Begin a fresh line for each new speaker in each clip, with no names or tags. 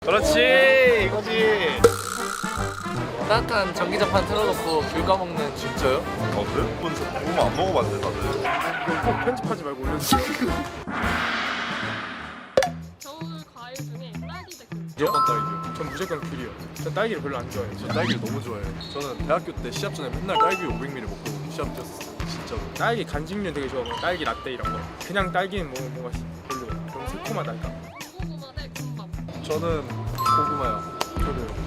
그렇지 이거지.
따뜻한 전기장판 틀어놓고 귤 까먹는.
진짜요?
아 그래? 그건 저 고구마 안 먹어봤는데 다들.
이거 꼭 편집하지 말고 올려주세요.
겨울 과일 중에 딸기 대 귤.
무조건 딸기요. 전 무조건 귤이요. 전 딸기를 별로 안 좋아해요. 전 딸기를 너무 좋아해요. 저는 대학교 때 시합 전에 맨날 딸기 500ml 먹고 시합 뛰었어요. 진짜로. 딸기 간식류 되게 좋아하고 딸기 라떼 이런 거. 그냥 딸기는 뭔가 별로예요. 너무 새콤하달까.
고구마 대 군밤.
저는 고구마요. 저도요.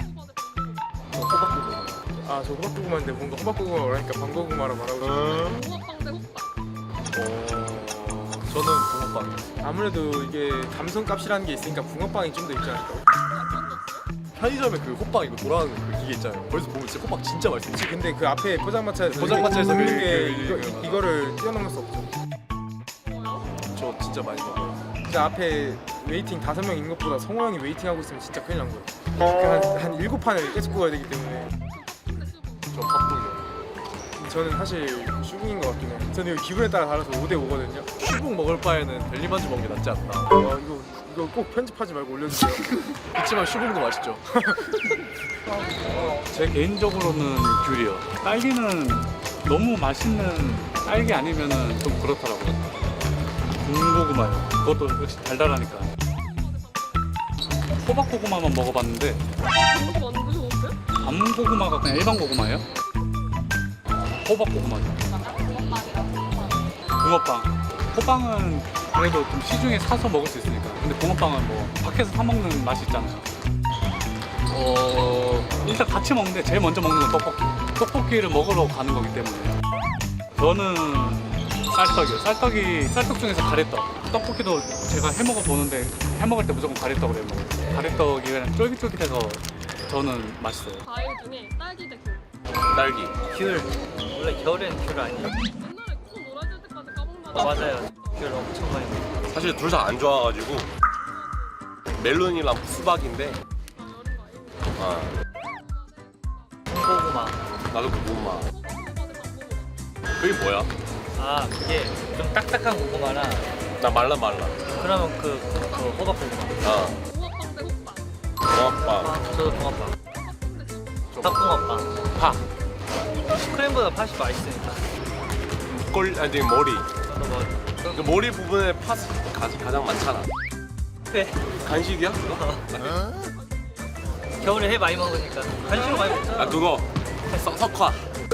호박고구마 대
호박고구마. 아 저 호박고구마인데 뭔가 호박고구마라고 하니까 방고구마라 말하고 싶어요.
붕어빵 대 호빵.
저는 붕어빵. 아무래도 이게 감성값이라는 게 있으니까 붕어빵이 좀 더 있지 않을까요? 편의점에 그 호빵 이거 돌아가는 그 기계 있잖아요. 거기서 보면 진짜 호빵 진짜 맛있어요.
네.
근데 그 앞에 포장마차에서
포장마차에서
먹는 게
그
이거를 뛰어넘을 수 없죠.
뭐요?
저 진짜 많이 먹어요. 진짜 앞에 웨이팅 5명 있는 것보다 성호 형이 웨이팅하고 있으면 진짜 큰일 난 거예요. 한 7판을 계속 구워야 되기 때문에. 저 밥국이요. 저는 사실 슈붕인 것 같긴 해요. 저는 이거 기분에 따라 달라서 5대5거든요. 슈붕 먹을 바에는 델리만주 먹는 게 낫지 않나. 이거 꼭 편집하지 말고 올려주세요. 그렇지만 슈붕도 맛있죠.
제 개인적으로는 귤이요. 딸기는 너무 맛있는 딸기 아니면은 좀 그렇더라고요. 군고구마요. 그것도 역시 달달하니까. 호박고구마만 먹어봤는데
이거 완전 좋은데?
밤고구마가 그냥 일반 고구마예요? 호박고구마죠. 붕어빵. 호빵은 그래도 좀 시중에 사서 먹을 수 있으니까. 근데 붕어빵은 뭐 밖에서 사 먹는 맛이 있잖아요. 일단 같이 먹는데 제일 먼저 먹는 건 떡볶이. 떡볶이를 먹으러 가는 거기 때문에. 저는 쌀떡이요. 쌀떡 중에서 가래떡. 떡볶이도 제가 해 먹어 보는데 해 먹을 때 무조건 가래떡을 해 먹어요. 가래떡이 그냥 쫄깃쫄깃해서 저는 맛있어요.
과일 중에 딸기 대 귤.
딸기.
귤. 원래 겨울엔 귤 아니에요?
옛날에 코 놀아줄 때까지 까먹는다.
맞아요. 귤 엄청 많이 먹어요.
사실 둘 다 안 좋아가지고 멜론이랑 수박인데.
아, 여름 과일.
아
고구마.
나도 그 고구마.
호박고구마 대 밤고구마.
그게 뭐야?
아 그게 좀 딱딱한 고구마라.
나 말라.
그러면 그 호박고구마.
아
붕어빵 대 호빵.
붕어빵.
저도 붕어빵.
팥빵 대 팥빵.
팥붕어빵. 팥. 크림보다 팥이 맛있으니까.
아니 머리.
저도 뭐
그 머리 부분에 팥이 가장 많잖아.
회.
간식이야? 그거?
겨울에 회 많이 먹으니까 간식으로 많이 먹잖아.
아 그거 석화.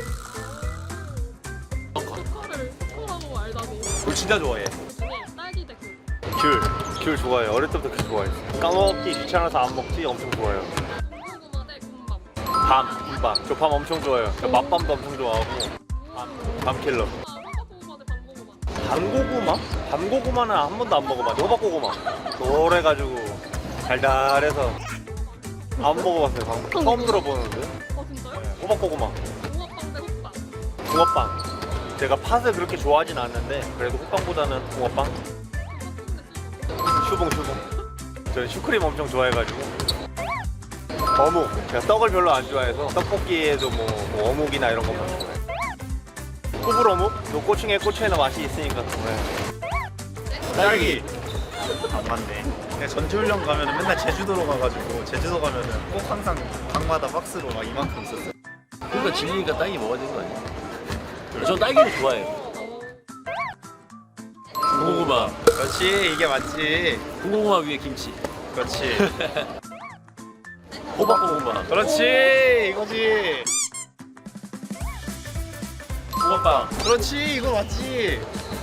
석화를 석화라고 알다니.
그거 진짜 좋아해.
중에 딸기 대 귤.
귤 좋아해요. 어릴 때부터 귤 좋아했어요. 까먹기 귀찮아서 안 먹지 엄청 좋아해요.
군고구마 대 군밤.
밤. 저 밤 엄청 좋아해요. 저 맛밤도 엄청 좋아하고 밤킬러.
호박고구마 대 밤고구마.
밤고구마? 밤고구마는 한 번도 안 먹어봤는데 호박고구마. 노래가지고 달달해서 안 먹어봤어요. 처음 들어보는데.
진짜요?
호박고구마.
붕어빵 대 호빵.
붕어빵. 제가 팥을 그렇게 좋아하진 않는데 그래도 호빵보다는 붕어빵. 슈붕. 저는 슈크림 엄청 좋아해가지고. 어묵. 제가 떡을 별로 안 좋아해서 떡볶이에도 뭐 어묵이나 이런 것만 좋아해요. 꾸불 어묵? 요 꼬충에 꼬충에는 맛이 있으니까. 딸기.
안 맞네. 그냥 전지훈련 가면은 맨날 제주도로 가가지고 제주도 가면은 꼭 항상 방마다 박스로 막 이만큼 있었어요.
그러니까 질리니까 딸기 먹어야 되는 거 아니야? 저 딸기를 좋아해요. 군고구마.
그렇지, 이게 맞지.
군고구마 위에 김치.
그렇지.
호박고구마.
그렇지 이거지.
붕어빵.
그렇지, 이거 맞지.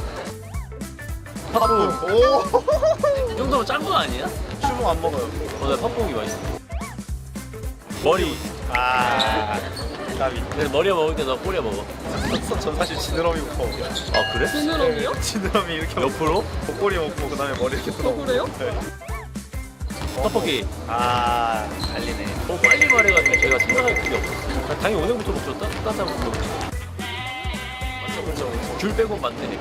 팥붕.
오,
이 정도면 짠 거 아니야?
슈붕 안 먹어요.
나 팥붕이 맛있어. 머리.
아, 까비.
근데 머리에 먹을 때 너 꼬리에 먹어.
전 사실 지느러미부터 먹어요.
아 그래?
지느러미요?
지느러미 이렇게 먹고
옆으로?
목걸이 먹고 그다음에 머리 이렇게 뜯어.
그래요?
네.
떡볶이.
아, 달리네.
빨리 말해가지고 제가 생각할 그게 없었어. 당연히 오늘부터 먹죠. 따뜻한 거 먹죠. 맞죠. 귤 빼고 맞네.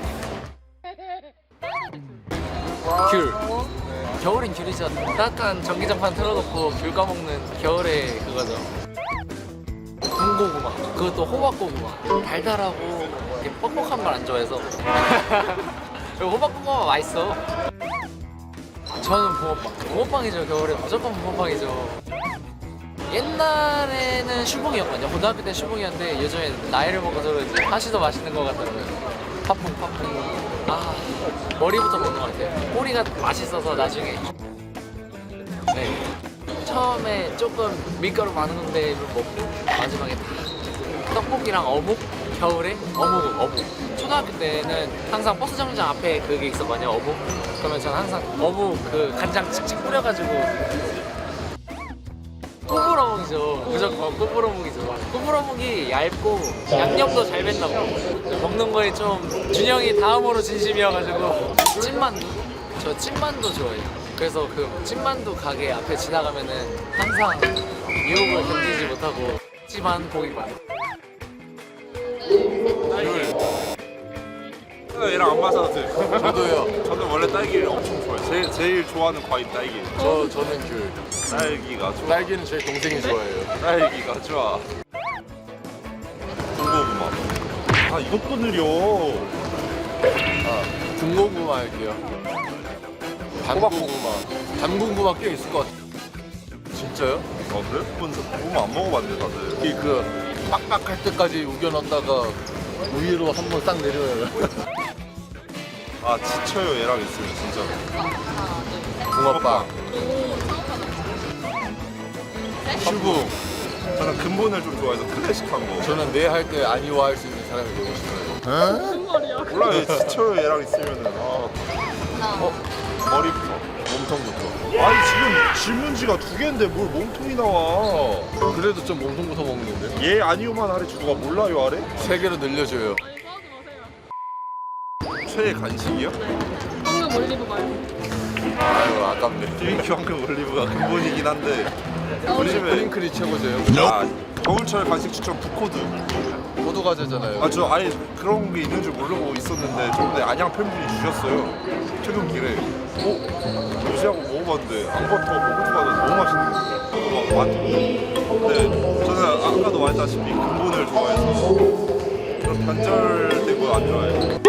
귤. 겨울엔 귤이죠. 따뜻한 전기장판 틀어놓고 귤 까먹는 겨울의 그거죠. 군고구마. 그것도 호박고구마. 달달하고 이렇게 뻑뻑한 걸 안 좋아해서. 그리고 호박고구마 맛있어. 저는 붕어빵. 붕어빵이죠. 겨울에 무조건 붕어빵이죠. 옛날에는 슈붕이었거든요. 고등학교 때 슈붕이었는데 요즘에 나이를 먹어서 그런지 하시도 맛있는 것 같더라고요. 팥붕. 아, 머리부터 먹는 것 같아요. 꼬리가 맛있어서 나중에. 네. 처음에 조금 밀가루 많은 건데 먹고 마지막에 다 떡볶이랑 어묵. 겨울에 어묵. 초등학교 때는 항상 버스 정류장 앞에 그게 있었거든요. 어묵. 그러면 저는 항상 어묵 그 간장 칙칙 뿌려가지고 꾸불어묵이죠. 무조건 꾸불어묵이죠. 꾸불어묵이 얇고 양념도 잘 밴다고. 먹는 거에 좀 준영이 다음으로 진심이어가지고 찐만두. 저 찐만두 좋아해요. 그래서 그 찐만두 가게 앞에 지나가면은 항상 유혹을 견디지 못하고 찜한 고기만.
얘랑 안 맞아도 돼.
저도요.
저는 원래 딸기를 엄청 좋아해요. 제일 좋아하는 과일 딸기.
저는 귤.
딸기가 좋아.
딸기는 저희 동생이 좋아해요.
딸기가 좋아. 군고구마. 아 이것도 느려.
군고구마 할게요. 단고구마. 단고구마 꽤 있을 것 같아요. 진짜요?
아 그래? 고구마 안 먹어봤네 다들.
그 빡빡할 때까지 우겨놨다가 위로 한번 싹 내려요.
아 지쳐요 얘랑 있으면 진짜.
붕어빵. 슈붕.
저는 근본을 좀 좋아해서 클래식한 거.
저는 내 할 때 아니워할 수 있는 사람이 되고 싶어요.
무슨 말이야?
몰라 얘 지쳐요 얘랑 있으면은. 머리부터.
몸통부터.
아니 지금 질문지가 2개인데 뭘 몸통이 나와.
그래도 좀 몸통부터 먹는데.
얘 아니오만 아래 주가 몰라요 아래?
3개로 늘려줘요.
아니 좋아하지 마세요.
최애 간식이요?
황금 올리브 말고.
아유 아깝네.
BBQ 황금 올리브가 근본이긴 한데 요즘에
프링클이 최고죠.
아 겨울철 간식 추천 부코드.
호두 과자잖아요.
아 저 아예 그런 게 있는 줄 모르고 있었는데 저번에 안양 팬분이 주셨어요. 퇴근길에. 무시하고 먹어봤는데 앙버터 호두 과자 너무 맛있는 거예요. 근데 저는 아까도 말했다시피 근본을 좋아해서 그런 단절되고 안 좋아해요.